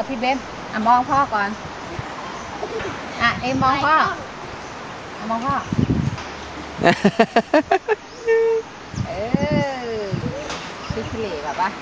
พี่เบนมองพ่อก่อนเอ็มมองพ่อมองพ่อคือทะเลแบบว่า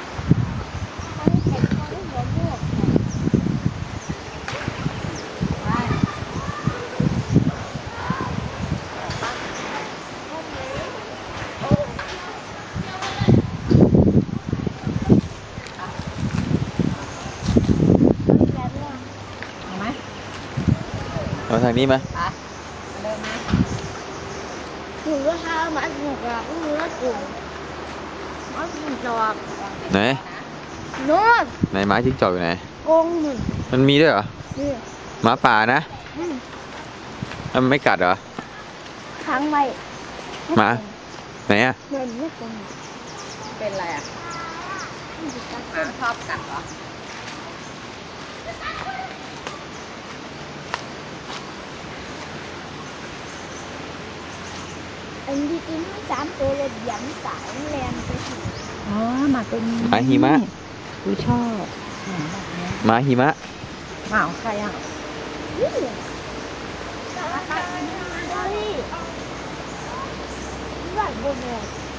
เอาทางนี้มาเริ่มไหมหนูก็ท้ามันหนูก็หนูก็กลุ่มมันหนูจอบไหนนู่นไหนหมาจิ้งจอกอยู่ไหนกงหนึ่งมันมีด้วยเหรอหมาป่านะมันไม่กัดเหรอค้างไว้หมาไหนอ่ะไม่กงเป็นอะไรหมาชอบกัดเหรออันที่กินไม่3 ตัวเลยหยันสายแรงไปถึงหมาตัวนี้หมาหิมะกูชอบหมาหิมะหมาของใครบ้านบนเลย